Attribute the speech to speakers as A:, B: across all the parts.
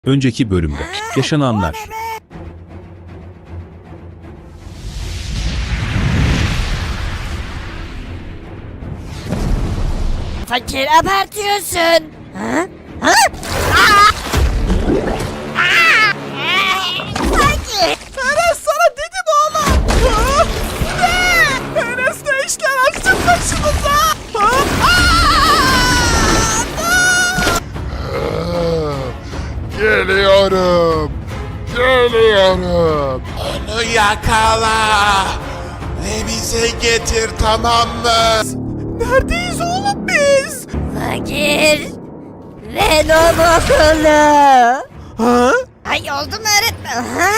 A: Önceki bölümde yaşananlar.
B: Fakir abartıyorsun. Ha? Ha? Fakir.
C: Enes sana dedim oğlum. Ha? Ne? Enes ne işler açtın başımıza? Ha?
D: Geliyorum. Geliyorum. Onu yakala. Ve bize getir, tamam mı?
C: Neredeyiz oğlum biz?
B: Fakir. Venom okulu.
C: Ha?
B: Ay oldu mu öğretmen? Ha?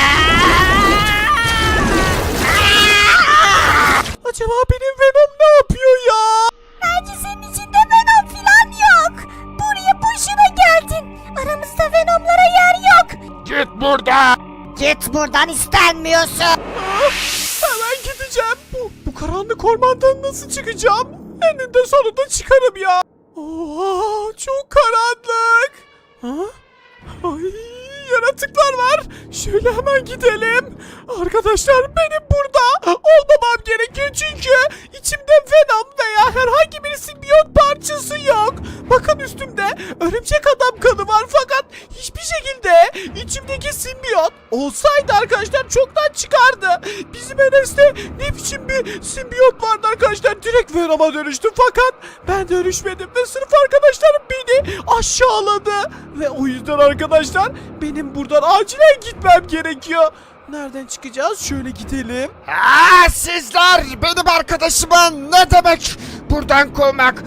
C: Acaba benim Venom ne yapıyor ya?
B: Bence senin içinde Venom filan yok. Buraya boşuna geldin. Aramızda Venomlara yer yok.
D: Git buradan.
B: Git buradan, istenmiyorsun.
C: Hemen gideceğim. Bu karanlık ormandan nasıl çıkacağım? Eninde sonunda çıkarım ya. Oha, çok karanlık. Ha? Ay, yaratıklar var. Şöyle hemen gidelim. Arkadaşlar benim burada olmamam gerekiyor çünkü içimde Venom veya herhangi bir simbiyot parçası yok. Bakın üstümde örümcek adam kanı var fakat hiçbir şekilde içimdeki simbiyot olsaydı arkadaşlar çoktan çıkardı. Bizim Enes'te ne biçim bir simbiyot vardı arkadaşlar, direkt Venom'a dönüştü fakat ben dönüşmedim ve sırf arkadaşlarım beni aşağıladı. Ve o yüzden arkadaşlar benim buradan acilen gitmem gerekiyor. Nereden çıkacağız? Şöyle gidelim.
D: Sizler benim arkadaşıma ne demek buradan kovmak?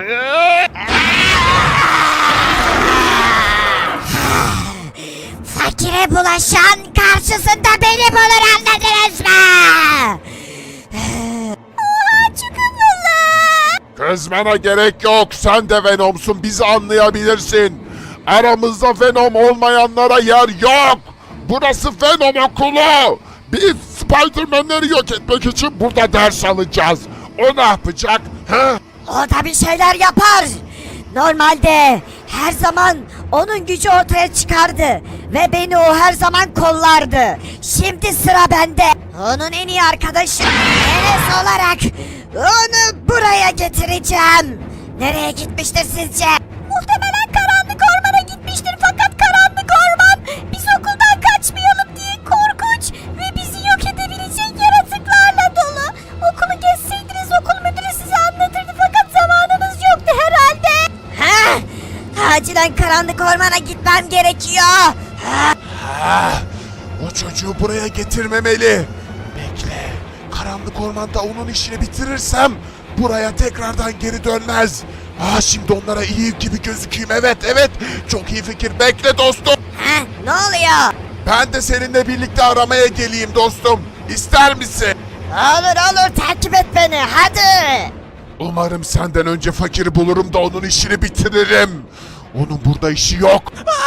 B: Fakire bulaşan karşısında beni bulur, anladınız mı? Oha, çok havalı.
D: Kızmana gerek yok. Sen de Venom'sun. Bizi anlayabilirsin. Aramızda Venom olmayanlara yer yok. Burası Venom okulu. Biz Spider-Man'leri yok etmek için burada ders alacağız. O ne yapacak? Ha?
B: O da bir şeyler yapar. Normalde her zaman onun gücü ortaya çıkardı ve beni o her zaman kollardı. Şimdi sıra bende. Onun en iyi arkadaşı Enes olarak onu buraya getireceğim. Nereye gitmiştir sizce? Muhtemelen karanlık ormana gitmiştir fakat karanlık orman biz okuldan kaçmayalım diye korkunç ve bizi yok edebilecek yaratıklarla dolu. Okulu gezseydiniz okul müdürü size anlatırdı fakat zamanınız yoktu herhalde. Ha? Acilen karanlık ormana gitmem gerekiyor.
D: O çocuğu buraya getirmemeli. Bekle. Karanlık ormanda onun işini bitirirsem buraya tekrardan geri dönmez. Şimdi onlara iyi gibi gözükeyim. Evet. Çok iyi fikir. Bekle dostum.
B: Ha? Ne oluyor?
D: Ben de seninle birlikte aramaya geleyim dostum. İster misin?
B: Olur takip et beni hadi.
D: Umarım senden önce fakiri bulurum da onun işini bitiririm. Onun burada işi yok.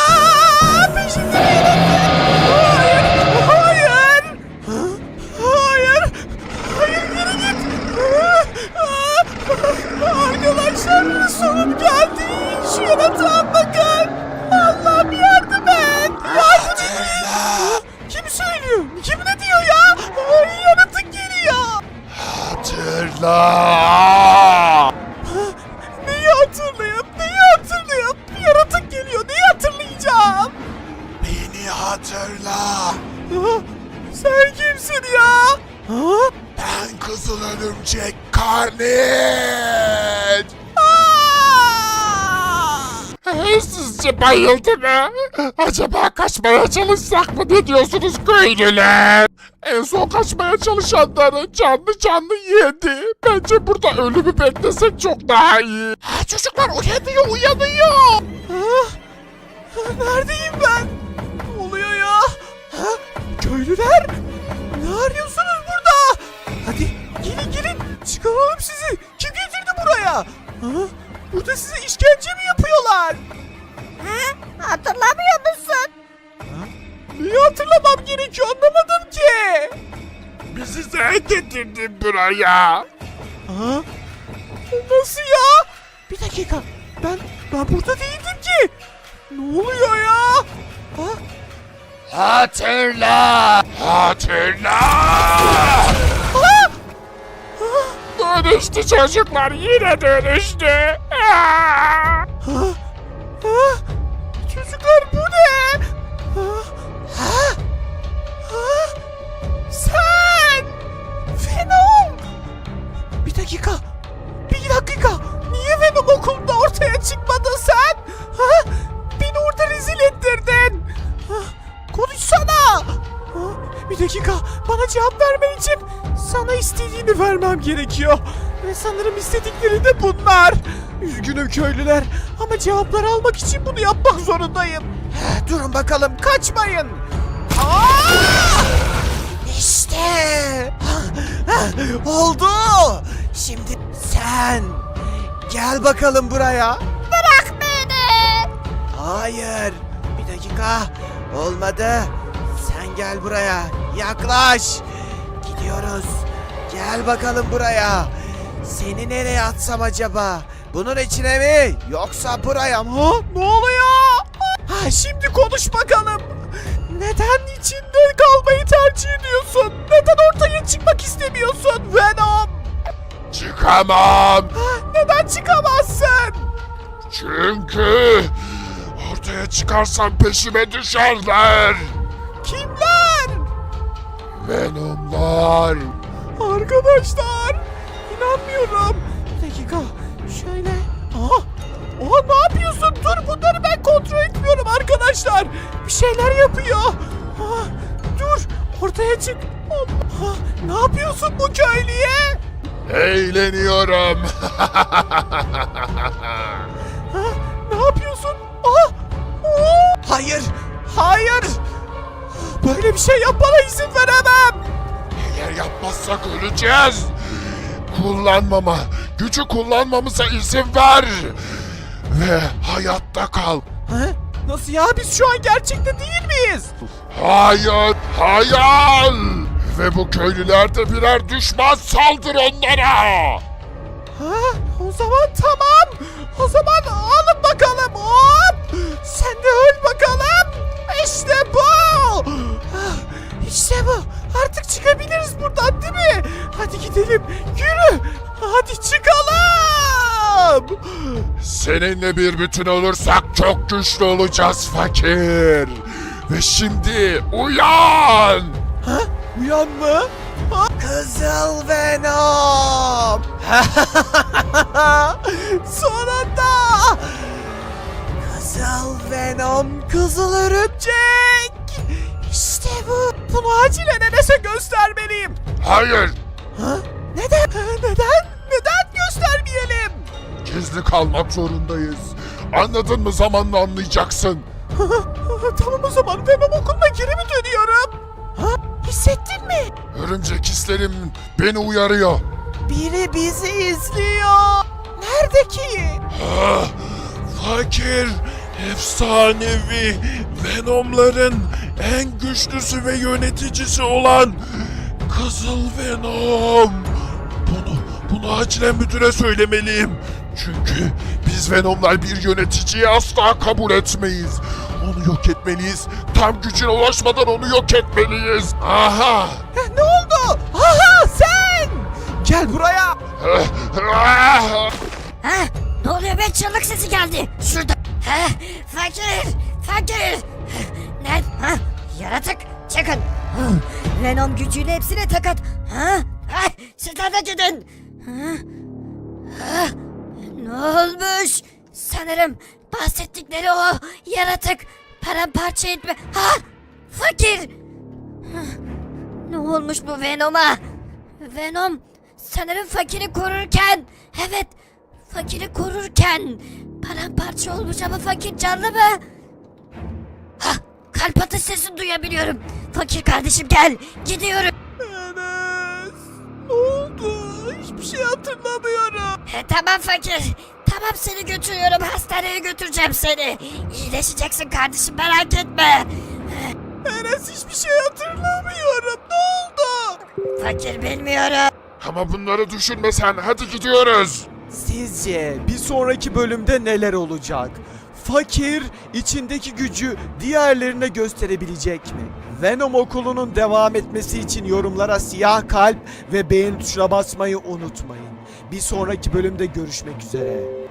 C: Hayır, geri git. Arkadaşlar sonum geldi. Şu yaratığa bakın. Allah'ım yardım et. Yardım et. Kim söylüyor? Kim ne diyor ya? Yaratık geliyor.
D: Hatırla.
C: Neyi hatırlayayım? Yaratık geliyor. Neyi hatırlayacağım?
D: Beni hatırla.
C: Sen kimsin ya?
D: Ben Kızıl Örümcek Carnage. Sizce bayıldı mı? Acaba kaçmaya çalışsak mı? Ne diyorsunuz köylüler? En son kaçmaya çalışanları canlı yedi. Bence burada ölümü beklesek çok daha iyi. Çocuklar uyanıyor.
C: Neredeyim ben? Ne oluyor ya? Köylüler? Ne arıyorsunuz burada? Hadi gelin. Çıkaralım sizi. Kim getirdi buraya? Burada size işkence mi yapıyorlar?
B: Hatırlamıyor musun?
C: Neyi hatırlamam gerekiyor, anlamadım ki.
D: Bizi sen getirdin buraya.
C: Nasıl ya? Bir dakika. Ben burada değildim ki. Ne oluyor ya? Ha?
D: Hatırla! Hatırla! Dönüştü çocuklar, yine dönüştü.
C: Çocuklar bu ne? Sen! Venom! Bir dakika. Niye Venom okulda ortaya çıkmadın sen? Beni orada rezil ettirdin. Konuşsana. Bir dakika. Bana cevap vermen için sana istediğini vermem gerekiyor. Ve sanırım istedikleri de bunlar. Üzgünüm köylüler ama cevapları almak için bunu yapmak zorundayım. Durun bakalım, kaçmayın. İşte. Oldu. Şimdi sen gel bakalım buraya.
B: Bırak beni.
C: Hayır. Bir dakika. Olmadı. Sen gel buraya. Yaklaş. Gidiyoruz. Gel bakalım buraya. Seni nereye atsam acaba? Bunun içine mi? Yoksa buraya mı? Ne oluyor? Şimdi konuş bakalım. Neden içinde kalmayı tercih ediyorsun? Neden ortaya çıkmak istemiyorsun Venom?
D: Çıkamam.
C: Neden çıkamazsın?
D: Çünkü ortaya çıkarsam peşime düşerler.
C: Kimler?
D: Venomlar.
C: Arkadaşlar, inanmıyorum. Bir dakika, şöyle. Oha, ne yapıyorsun? Dur, bunları ben kontrol etmiyorum arkadaşlar. Bir şeyler yapıyor. Dur, ortaya çık. Allah, ne yapıyorsun bu köylüye?
D: Eğleniyorum.
C: Ne yapıyorsun? Hayır. Böyle bir şey yapmana izin veremem.
D: Eğer yapmazsak öleceğiz. Gücü kullanmamıza izin ver. Ve hayatta kal.
C: Nasıl ya? Biz şu an gerçekte değil miyiz?
D: Hayır, hayal. Ve bu köylüler de birer düşman, saldır onlara.
C: O zaman tamam. O zaman alın bakalım. Hop! Sen de öl bakalım. İşte bu. İşte bu. Artık çıkabiliriz buradan, değil mi? Hadi gidelim. Yürü. Hadi çıkalım.
D: Seninle bir bütün olursak çok güçlü olacağız fakir. Ve şimdi uyan.
C: Uyan mı? Kızıl Venom. Sonunda. Kızıl Venom, kızıl örümcek. İşte bu. Bunu acilen Enes'e göstermeliyim.
D: Hayır,
C: Neden? Neden göstermeyelim?
D: gizli kalmak zorundayız. Anladın mı? Zamanla anlayacaksın.
C: Tamam, o zaman Venom okuluna geri mi dönüyorum? Hissettin mi?
D: Örümcek hislerim beni uyarıyor.
C: Biri bizi izliyor. Nerede ki?
D: Fakir, efsanevi Venomların en güçlüsü ve yöneticisi olan Kızıl Venom. Bunu acilen müdüre söylemeliyim. Çünkü biz Venomlar bir yöneticiyi asla kabul etmeyiz. Onu yok etmeliyiz. Tam gücüne ulaşmadan onu yok etmeliyiz. Aha!
C: Ne oldu? Sen! Gel buraya.
B: Ne oluyor be? Çığlık sesi geldi. Şurada. Fakir. Ne? Yaratık, çıkın. Venom gücüyle hepsine takat. Sizler de gidin. Ne olmuş? Sanırım bahsettikleri o yaratık paramparça etme. Fakir. Ne olmuş bu Venom'a? Venom sanırım fakiri korurken, evet, fakiri korurken paramparça olmuş ama fakir canlı mı? Kalp atış sesini duyabiliyorum. Fakir kardeşim gel, gidiyorum.
C: Enes, ne oldu? Hiçbir şey hatırlamıyorum.
B: Tamam fakir. Tamam, seni götürüyorum, hastaneye götüreceğim seni. İyileşeceksin kardeşim, merak etme.
C: Enes, hiçbir şey hatırlamıyorum. Ne oldu?
B: Fakir bilmiyorum.
D: Ama bunları düşünme sen. Hadi gidiyoruz.
C: Sizce bir sonraki bölümde neler olacak? Fakir içindeki gücü diğerlerine gösterebilecek mi? Venom okulunun devam etmesi için yorumlara siyah kalp ve beğen tuşuna basmayı unutmayın. Bir sonraki bölümde görüşmek üzere.